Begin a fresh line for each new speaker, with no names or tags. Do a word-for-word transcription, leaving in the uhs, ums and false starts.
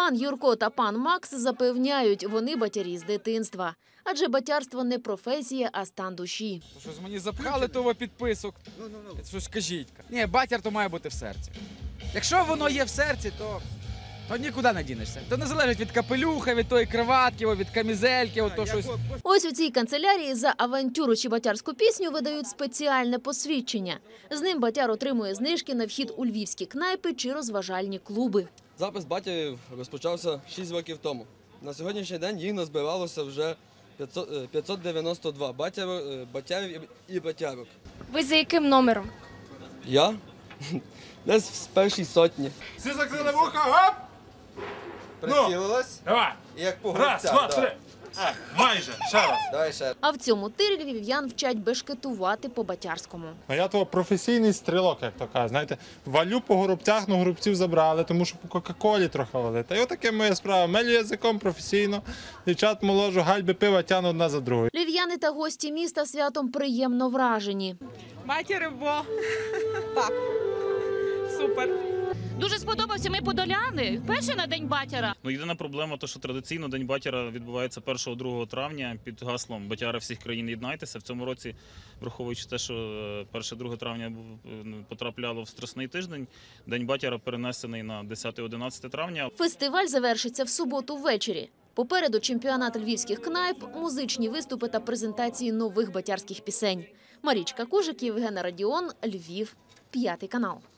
Пан Юрко та пан Макс запевняють, вони батярі з дитинства. Адже батярство не професія, а стан душі.
Щось мені запхали того підписок. Щось кажіть. Ні, батяр то має бути в серці. Якщо воно є в серці, то, то нікуди не дінешся. То не залежить від капелюха, від тої криватки, від камізельки, от то щось.
Ось у цій канцелярії за авантюру чи батярську пісню видають спеціальне посвідчення. З ним батяр отримує знижки на вхід у львівські кнайпи чи розважальні клуби.
Запис батьків розпочався шість років тому. На сьогоднішній день їх назбиралося вже п'ятсот дев'яносто два батярів і батярок.
Ви за яким номером?
Я? Десь з першій сотні.
Всі закрили вуха, гоп!
Прицілилась?
Давай!
Як по
Раз,
гравцях,
два,
да.
три! Майже, ще раз.
Давай ще.
А в цьому тирі львів'ян вчать бешкетувати по-батярському.
А я того професійний стрілок, як то кажуть. Знаєте, валю по горобцях, ну горобців забрали, тому що по Кока-Колі трохи валити. Та й отаке моя справа. Мелю язиком професійно, дівчат моложу, гальби пива тягну одна за другою.
Львів'яни та гості міста святом приємно вражені.
Батяри, бо так, супер.
Дуже сподобався, ми подоляни, вперше на День батяра.
Ну, єдина проблема, то, що традиційно День батяра відбувається першого-другого травня під гаслом «Батяри всіх країн єднайтеся». В цьому році, враховуючи те, що перше-друге травня потрапляло в Страсний тиждень, День батяра перенесений на десяте-одинадцяте травня.
Фестиваль завершиться в суботу ввечері. Попереду чемпіонат львівських кнайп, музичні виступи та презентації нових батярських пісень. Марічка Кужик, Євгена Радіон, Львів, п'ятий канал.